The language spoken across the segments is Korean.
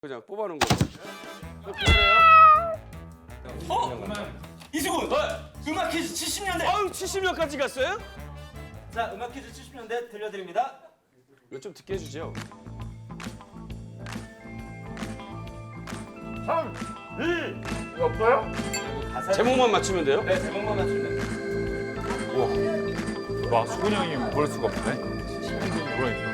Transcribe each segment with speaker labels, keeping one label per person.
Speaker 1: 그냥 뽑아놓은 거. 그래요?
Speaker 2: 이수근! 음악 퀴즈 70년대!
Speaker 1: 아유 70년까지 갔어요?
Speaker 2: 자, 음악 퀴즈 70년대 들려드립니다.
Speaker 1: 이거 좀 듣게 해주죠.
Speaker 3: 3, 2, 이거 없어요?
Speaker 1: 제목만 맞추면 돼요?
Speaker 2: 네, 제목만 맞추면 돼요.
Speaker 3: 와, 수근이 형이 모를 수가 없네. 그러니까.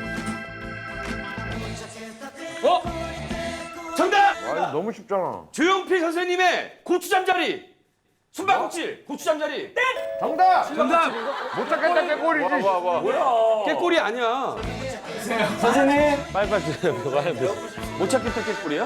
Speaker 1: 정답!
Speaker 3: 아, 이거 너무 쉽잖아.
Speaker 1: 조용필 선생님의 고추잠자리. 숨바꼭질 고추잠자리. 땡!
Speaker 3: 정답!
Speaker 1: 정답!
Speaker 3: 못 찾겠다, 깨꼬리지.
Speaker 1: 깨꼬리 아니야.
Speaker 2: 선생님!
Speaker 1: 빨리빨리 못 찾겠다 깨꼬리야?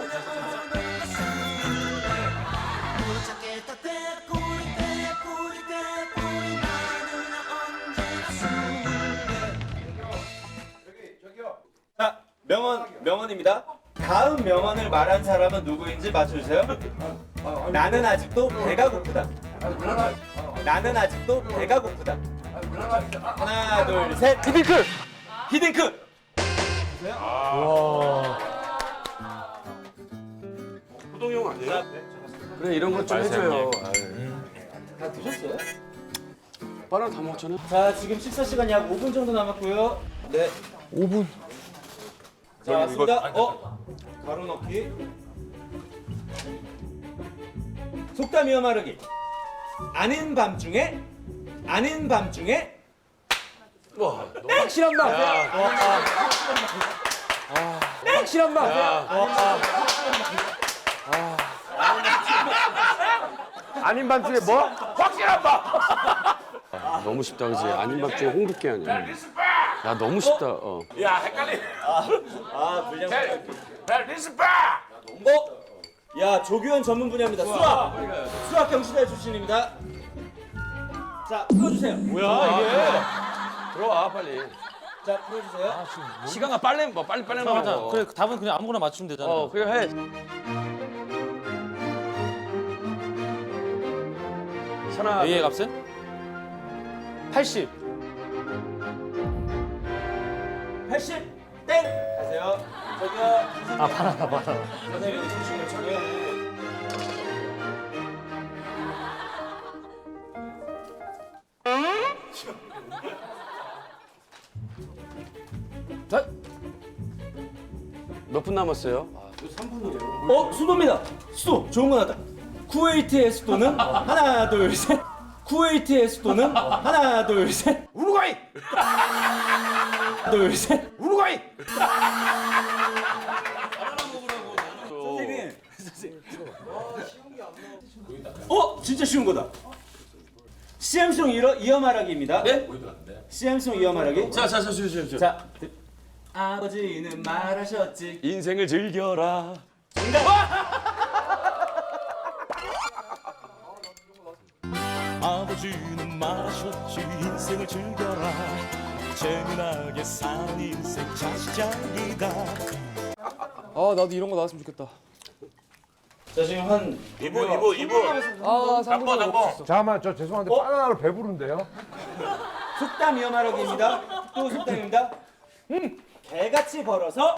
Speaker 2: 자, 명언입니다. 다음 명언을 말한 사람은 누구인지 맞춰주세요. 나는 아직도 배가 고프다. 나는 아직도 배가 고프다. 하나, 둘, 셋.
Speaker 1: 히딩크!
Speaker 2: 히딩크!
Speaker 1: 호동형 아니에요? 그래 이런 것 좀 해줘요.
Speaker 2: 다 드셨어요?
Speaker 1: 바나나 다 먹었잖아.
Speaker 2: 자, 지금 식사 시간이 약 5분 정도 남았고요. 네.
Speaker 3: 5분.
Speaker 2: 자, 왔습니다. 가루 넣기. 속담 이어 말하기. 아는 밤중에
Speaker 1: 확실한 말. 확실한 말.
Speaker 3: 아닌 밤중에 뭐? 확실한 밤!
Speaker 1: 너무 쉽다 그지? 아닌 밤 중에 홍두깨 아니야. 야 너무 쉽다.
Speaker 3: 야, 헷갈리.
Speaker 2: 분량.
Speaker 3: 리스파!
Speaker 2: 야, 조규현 전문 분야입니다. 수학 경시대 출신입니다. 자, 풀어주세요.
Speaker 1: 뭐야 이게? 들어와 빨리.
Speaker 2: 자, 풀어주세요.
Speaker 1: 시간가 빨리 빨리 먹어.
Speaker 4: 그래 답은 그냥 아무거나 맞추면 되잖아.
Speaker 1: 그래 해. 하나.
Speaker 4: A의 값은 80.
Speaker 2: 80. 땡. 가세요. 저기요. 바나나. 선생님, 조심히 저기요.
Speaker 1: 몇 분 남았어요?
Speaker 2: 수도입니다. 수도. 좋은 거 나왔다. 쿠웨이트의 수도는 하나, 둘, 셋. 쿠웨이트의 수도는 하나, 둘, 셋.
Speaker 3: 우루과이!
Speaker 2: 하나, 둘, 셋.
Speaker 3: 우루과이!
Speaker 2: 선생님. 진짜 쉬운 거다. CM송 이어 말하기입니다.
Speaker 1: 네?
Speaker 2: CM송 이어 말하기.
Speaker 1: 자.
Speaker 2: 자, 아버지는 말하셨지.
Speaker 1: 인생을 즐겨라.
Speaker 5: 아버지는 말하셨지 인생을 즐겨라 재미나게 사는 인생 자식장이다
Speaker 4: 나도 이런 거 나왔으면 좋겠다.
Speaker 2: 자, 지금 한
Speaker 5: 이분
Speaker 3: 잠깐만, 저 죄송한데 바나나로 배부른데요?
Speaker 2: 속담 이어 말하기입니다. 또 속담입니다. 개같이 벌어서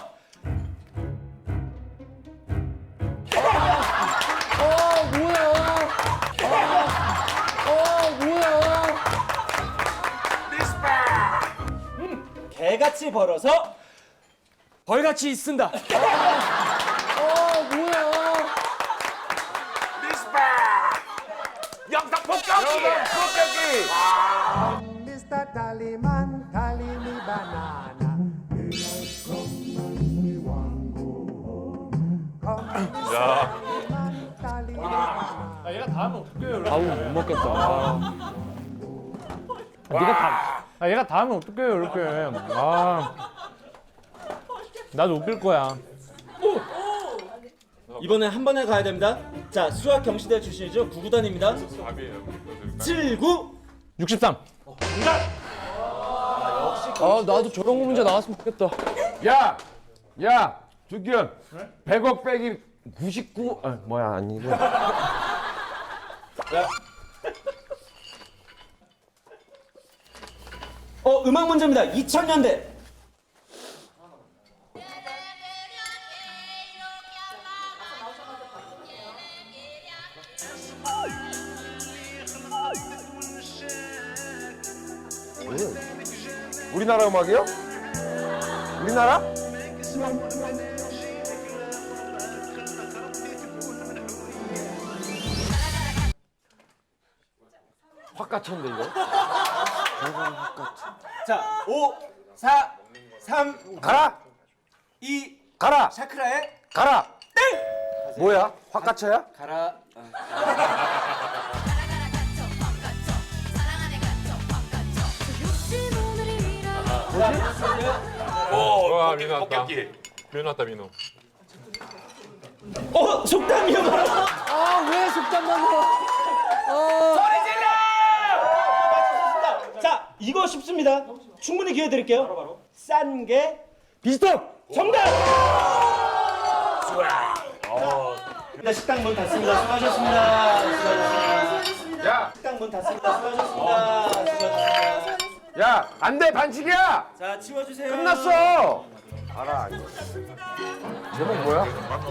Speaker 2: 개같이 벌어서
Speaker 4: 벌같이 쓴다.
Speaker 3: 영상 폭격기!
Speaker 6: Mr. Tallyman, tally me banana. We want go home. Come, Tallyman, tally me banana.
Speaker 4: 얘가 다 하면 어떡해요? 아우 못 먹겠다.
Speaker 7: 얘가 다 하면 어떡해요 이렇게. 나도 웃길 거야.
Speaker 2: 이번엔 한 번에 가야 됩니다. 자, 수학 경시대 출신이죠. 구구단입니다. 79.
Speaker 7: 63.
Speaker 4: 나도 저런 거 문제 나왔으면 좋겠다.
Speaker 3: 야, 주기현. 100억 빼기 99. 뭐야, 아니고.
Speaker 2: 음악 문제입니다. 2000년대.
Speaker 3: 우리나라 음악이요? 우리나라? 확 갇혔는데 이거?
Speaker 2: 자, 5, 4, 3,
Speaker 3: 가라!
Speaker 2: 2,
Speaker 3: 가라!
Speaker 2: 샤크라의
Speaker 3: 가라! 땡! 뭐야? 확 갇혀야?
Speaker 2: 가라.
Speaker 8: 와 민호 왔다. 민호 왔다 민호.
Speaker 2: 속담이요.
Speaker 4: 아왜 속담만 해?
Speaker 2: 자, 이거 쉽습니다. 충분히 기회 드릴게요. 싼 게
Speaker 3: 비스톱!
Speaker 2: 정답! 자, 식당 문 닫습니다. 수고하셨습니다. 수고하셨습니다.
Speaker 3: 야!
Speaker 2: 식당 문 닫습니다. 수고하셨습니다. 수고하셨습니다.
Speaker 3: 야! 안 돼! 반칙이야!
Speaker 2: 자, 치워주세요.
Speaker 3: 끝났어! 알아 이거. 제목 뭐야?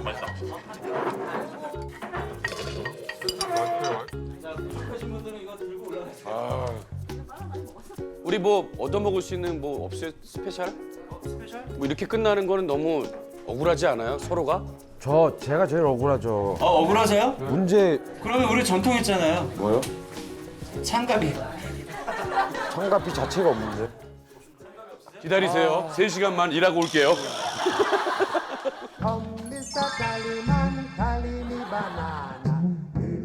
Speaker 2: 자, 부족하신 분들은 이거 들고 올라가세요.
Speaker 1: 우리 뭐 얻어먹을 수 있는 뭐 없어요? 스페셜?
Speaker 2: 스페셜?
Speaker 1: 뭐 이렇게 끝나는 거는 너무 억울하지 않아요? 서로가?
Speaker 3: 제가 제일 억울하죠.
Speaker 2: 억울하세요?
Speaker 3: 문제
Speaker 2: 그러면 우리 전통 있잖아요.
Speaker 3: 뭐요?
Speaker 2: 창갑이.
Speaker 3: 청가피 자체가 없는데.
Speaker 1: 기다리세요. 3시간만 일하고 올게요.
Speaker 6: Mr. Kaliman, Kalimibana.